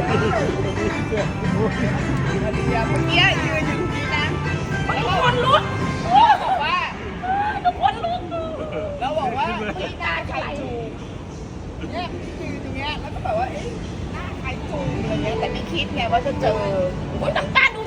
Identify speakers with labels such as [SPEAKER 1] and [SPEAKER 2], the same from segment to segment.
[SPEAKER 1] เมื่อกี้ยืนอยู่ที่นั้น
[SPEAKER 2] ทุกคนลุก
[SPEAKER 1] บอกว่า
[SPEAKER 2] ทุกคนลุก
[SPEAKER 1] แล้วบอกว่าที่หน้าใครจูเนี่ยยืนอย่างเงี้ยแล้วก็แบบว่าหน้าใครจูอะไรเงี้ยแต่ไม่คิดไงว่าจะเจอ
[SPEAKER 2] โอ้ยน้ำตาดู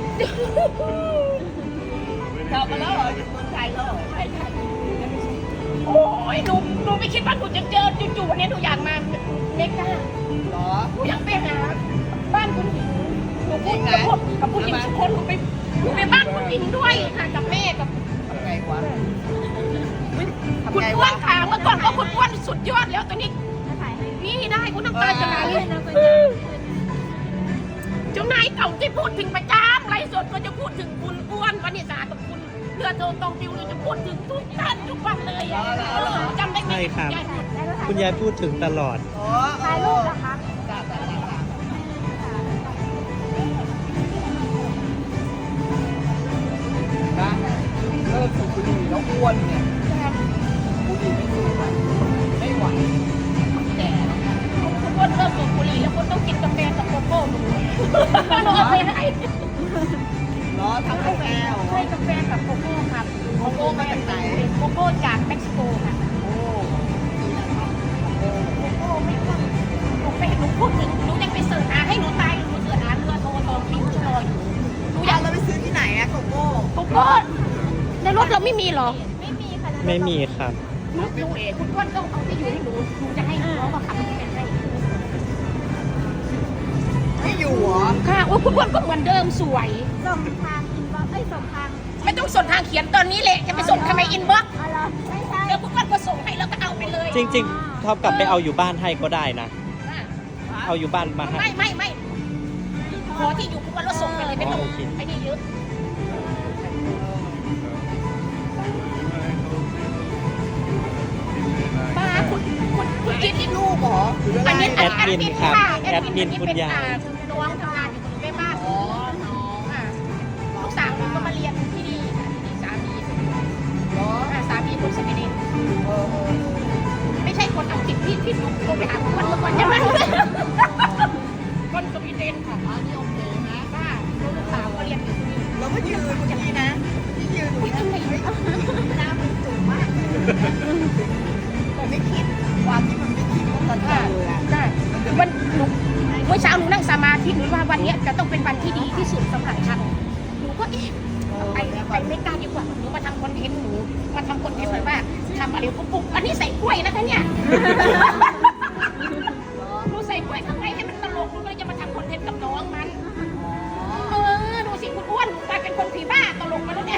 [SPEAKER 1] เรามาแล้วเหรออยู่เมืองไทยแล้วเหรอ
[SPEAKER 2] ใช่ค่ะโอ้ยหนูไม่คิดว่าหนูจะเจอจู่ๆวันนี้หนูอยากมาเมกา
[SPEAKER 1] เหรอ
[SPEAKER 2] หนูอยากไปหาบ้านคุณหญิงหนูพูดกับผู้หญิงทุกคนหนูไปบ้านคุณหญิงด้วยค่ะกับแม่กับ
[SPEAKER 1] ทำไงวะ
[SPEAKER 2] คุณอ้วนค่ะเมื่อก่อนก็คุณอ้วนสุดยอดแล้วตอนนี้นี่ได้คุณน้ำตาจะไหลเจ้านายเก่าที่พูดถึงประจำไลฟ์สดก็จะพูดถึงคุณอ้วนวณิสากับคุณเรือโตตองติวเราจะพูดถึงทุกท่านทุกวันเลยจำได้ไหม
[SPEAKER 3] ใช่ครับ คุณยายพูดถึงตลอด
[SPEAKER 1] อ๋อ
[SPEAKER 2] ถ่ายรูปนะคะ
[SPEAKER 1] จ้านะเลิกสูบบุหรี่แล้วอ้วนเนี่ยบุหรี่ไม่สูบนะไม่ไหวแก่แล้วนะ
[SPEAKER 2] คุณอ้วนเริ่มสูบบุหรี่แล้วคุณต้องกินกาแฟกับโกโก้หนูเอาไปให้
[SPEAKER 1] รอทำกาแฟเหรอ
[SPEAKER 2] ให้กาแฟกับโกโก้ครับ
[SPEAKER 1] โกโก้มาจากไหน
[SPEAKER 2] โกโก้จากเม็กซิโกค่ะ
[SPEAKER 1] โอ้
[SPEAKER 2] โกโก้ไม่ต้องหนูไปหนูพูดถึงหนูยังไปเสิร์ชหาให้หนูตายหนูเสิร์ชหาเรือโทรตองพิ้งชรออยู่หนูอาก
[SPEAKER 1] อยยากเราไปซื้อที่ไหนอะโกโก้
[SPEAKER 2] โกโก้ในรถเราไม่มีหรอ
[SPEAKER 3] ไม่มีครับ
[SPEAKER 2] หนูคุณอ้วนต้องเอาที่อยู่ให้หนูจะให้น้องมาขับรถให้
[SPEAKER 1] ไม่อยู่เหรอ
[SPEAKER 2] ค่ะโอ้คุณอ้วนก็เหมือนเดิมสวย
[SPEAKER 4] ส่งทางอินบ็อกซ์ส่งทาง
[SPEAKER 2] ไม่ต้องส่งทางเขียนตอนนี้แหละจะไปส่งทำไมอินบ็อกซ์
[SPEAKER 4] อะไรไม่ใช่
[SPEAKER 2] เดี๋ยวคุณอ้วนก็ส่งให้แล้วก็เอาไปเลย
[SPEAKER 3] จริงๆท็อปกลับไปเอาอยู่บ้านให้ก็ได้นะ เอาอยู่บ้านมาให้
[SPEAKER 2] ไม่ขอที่อยู่คุณอ้วนแล้วส่งไปเลยไม่ต้อง
[SPEAKER 3] โอเค
[SPEAKER 2] ไอ้นี่เยอะป้าคุณคิดที่
[SPEAKER 1] ลูกเหรอหรืออะไร
[SPEAKER 2] อันนี้
[SPEAKER 3] แอดมินครับ
[SPEAKER 2] ค่ะ
[SPEAKER 3] แอดมินคุณยาย
[SPEAKER 2] น้องทำงานอยู่แม่บ้าน
[SPEAKER 1] อ๋อน้อง
[SPEAKER 2] ค่ะลูกสาวก็มาเรียนที่นี่ค่ะที่สามี
[SPEAKER 1] เหรอ
[SPEAKER 2] สามีคนสวีเดน
[SPEAKER 1] เออ
[SPEAKER 2] ไม่ใช่คนอังกฤษที่ลูกโทรไปหาคนเมื่อก่อนใช่ไหมคนสวีเดนค่ะ
[SPEAKER 1] อันนี้โอเคนะ
[SPEAKER 2] ค่ะลูกสาวก็เรียนอยู่ที่นี่
[SPEAKER 1] เราก็ยืนอย่างนี้นะที่ยืนอยู่
[SPEAKER 2] ที่
[SPEAKER 1] นะ
[SPEAKER 2] ไหน
[SPEAKER 1] เฮ้ยหน้ามันจุกมากเลยแต่ไม่คิดความที่มันไม่คิดว่ามันจะเลยอะ
[SPEAKER 2] ได้วันหนูเมื่อเช้าหนูนั่งสมาธิหนูว่าวันนี้จะต้องเป็นวันที่ดีที่สุดสำหรับฉันหนูก็ไปไม่กล้าดีกว่าหนูมาทำคอนเทนต์หนูมาทำคอนเทนต์แบบว่าทำอะไรปุ๊บอันนี้ใส่กล้วยนะคะเนี่ยหนูใส่กล้วยข้างในให้มันตลกหนูก็เลยจะมาทำคอนเทนต์กับน้องมันดูสิคุณอ้วนหนูกลายเป็นคนผีบ้าตลกมาแล้วเนี่ย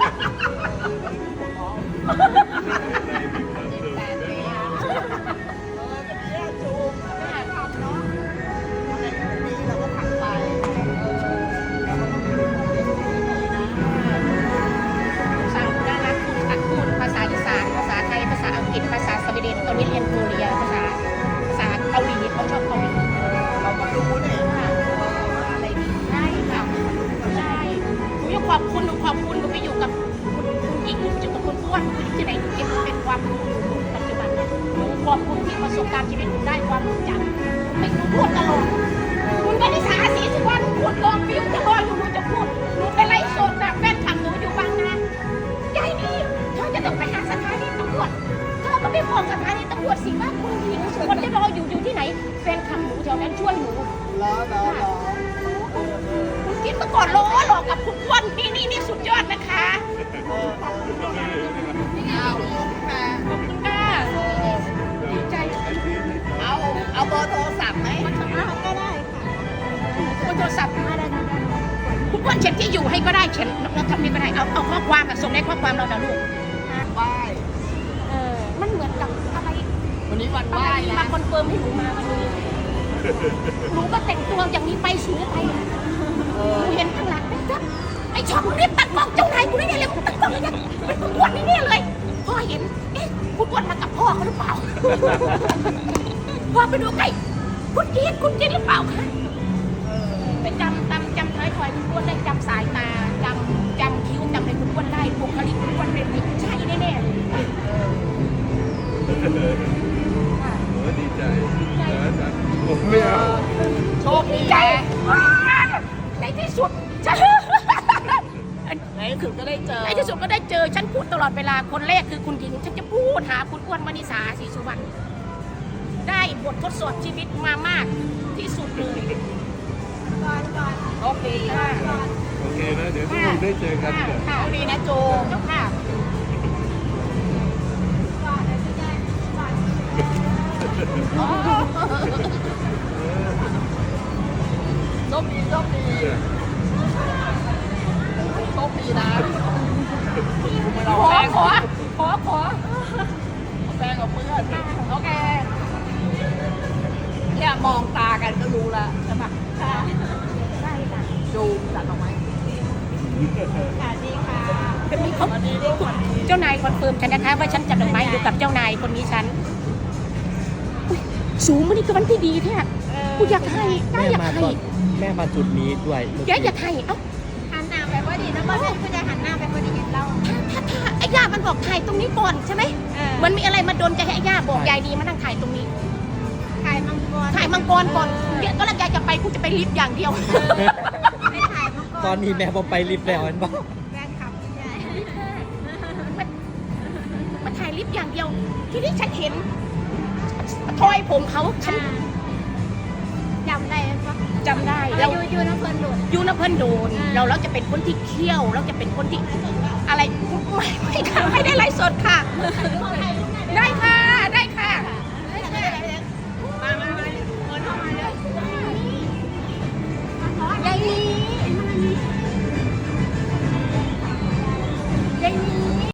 [SPEAKER 2] สาวน่ารักพูดภาษาอีสานภาษาไทยภาษาอังกฤษภาษาสวีเดนตอนนี้เรียนโคเรียภาษาเกาหลีเขาชอบเกาหลี
[SPEAKER 1] เราก็รู้เนี่ย
[SPEAKER 2] อะไรดีใช่ค่ะใช่หนูยังขอบคุณหนูไปอยู่กับคุณหญิงอยู่กับคุณอ้วนที่ไหนเก็บเป็นความรู้ปัจจุบันหนูขอบคุณที่ประสบการณ์ชีวิตหนูได้ความรู้จักไม่หนูพูดตลอดคุณก็นิสาสีสุวรรณพูดตลอดฟิวจะรออยู่หนูจะพูดหนูไปไล่สดแบบแฟนคลับหนูอยู่บางนา ยายนี่เธอจะต้องไปหาสถานีตำรวจเธอก็ไปบอกสถานีตำรวจสิว่าคุณหญิงสุวรรณจะรออยู่ที่ไหนแฟนคลับหนูแถวนั้นช่วยหนู
[SPEAKER 1] รอ
[SPEAKER 2] คุณคิดมาก่อนรอหลอกกับคุณอ้วนนี่สุดยอดนะคะ
[SPEAKER 1] เอามา
[SPEAKER 2] ขอบคุณค่ะดีใจ
[SPEAKER 1] เอาเบอร์โทรศัพท์ไหม
[SPEAKER 4] ก็ได้ค่ะ
[SPEAKER 2] คุณโทรศัพท์
[SPEAKER 4] ได้
[SPEAKER 2] คุณอ้วนเช็คที่อยู่ให้ก็ได้เช็คเราทำนี่ก็ได้เอาข้อความส่งในข้อความเรานะลูก
[SPEAKER 1] ไหว้
[SPEAKER 2] มันเหมือนกับอะไร
[SPEAKER 1] วันนี้วันไห
[SPEAKER 2] อะ
[SPEAKER 1] ว้
[SPEAKER 2] ไร
[SPEAKER 1] นะ
[SPEAKER 2] มาคอนเฟิร์มให้หนูมาวันนี้หนูก็แต่งตัวอย่างนี้ไปสูงไปเห็นข้างหลังไอ้ชอบมึงรีบตัดกล้องเจ้านายกูได้เนี่ยเลยมึงตัดกล้องเลยเป็นคุณอ้วนนี่เนี่ยเลยพ่อเห็นคุณอ้วนมากับพ่อเขาหรือเปล่าพ่อไปดูใกล้คุณจีนหรือเปล่าคะไปจำท้ายถอยคุณอ้วนได้จำสายตาจำคิ้วจำในคุณอ้วนได้บุคลิกคุณอ้วนเป็นใช่แน่ๆเลย
[SPEAKER 5] ดีใจผมไม่เอา
[SPEAKER 1] โชค
[SPEAKER 2] ดีใจในที่สุดฉัน
[SPEAKER 1] ในที่สุดก็ได้เจอ
[SPEAKER 2] ในที่สุดก็ได้เจอฉันพูดตลอดเวลาคนแรกคือคุณหญิงฉันจะพูดหาคุณอ้วนวนิษาศรีสุวรรณได้บททดสอบชีวิตมามากที่สุดเลย
[SPEAKER 1] โอเคค่ะ
[SPEAKER 5] โอเคนะเดี๋ยวทุกคนได้เจอกันเถอะ
[SPEAKER 2] ค่ะ
[SPEAKER 1] โชคดีนะโจ
[SPEAKER 2] เจ้าค่ะ
[SPEAKER 1] โชคดีโชคดีโชคดีนะไม่
[SPEAKER 2] ข
[SPEAKER 1] เรา
[SPEAKER 2] อ
[SPEAKER 1] แป้ง
[SPEAKER 2] ขอ
[SPEAKER 1] แป้งกับเพื่อนโอเคเนี่ยมองตากันก็รู้แล้วใช่ปะ
[SPEAKER 2] ค่ะใช่ค่ะ
[SPEAKER 1] จูมจัดออกไหม
[SPEAKER 2] เป็นมีเขา
[SPEAKER 1] วันนี้ลูกวันนี้
[SPEAKER 2] เจ้านายคอนเฟิร์มฉันนะคะว่าฉันจัดดอกไม้อยู่กับเจ้านายคนนี้ฉันอุ๊ยสูงมันนี่ก็วันที่ดีแท้กูอยากให้ได้
[SPEAKER 3] แม่
[SPEAKER 2] อยาก
[SPEAKER 3] มา
[SPEAKER 2] ให้
[SPEAKER 3] ตอนแม่มาจุดนี้ด้วยเมื่อ
[SPEAKER 2] แก
[SPEAKER 3] กี้
[SPEAKER 2] อยากให้เอ้า
[SPEAKER 4] หันหน้าไปพอดีนะเพราะฉันก็จะหันหน้าไปพอดีเห็นเรา
[SPEAKER 2] ถ้าไอ้ย่ามันบอกถ่ายตรงนี้ก่อนใช่ไหม มันมีอะไรมาโดนใจให้ไอ้ย่าบอกยายดีมานั่งถ่ายตรงนี้
[SPEAKER 4] ถ่ายมังกร
[SPEAKER 2] ถ่ายมังกรก่อนเดี๋ยวก็แล้วยายจะไปกูจะไปลิฟต์อย่างเดียว
[SPEAKER 4] ไม่ถ่ายมังกร
[SPEAKER 3] ตอนนี้แม่พอไปลิฟต์แล้วเห็นปะ
[SPEAKER 4] แฟนคลับใหญ่
[SPEAKER 2] มันถ่ายลิฟต์อย่างเดียว ที่นี่ฉันเห็นทอยผมเขาฉัน
[SPEAKER 4] จำได้ไหมปะ
[SPEAKER 2] จำได้
[SPEAKER 4] เรา
[SPEAKER 2] เรา
[SPEAKER 4] อยู่น้ำเพลินหลุด
[SPEAKER 2] ยูนะเพื่อนโดนเราจะเป็นคนที่เคี่ยวเราจะเป็นคนที่อะไรไม่ได้ไลฟ์สดค่ะ ได้ค่ะ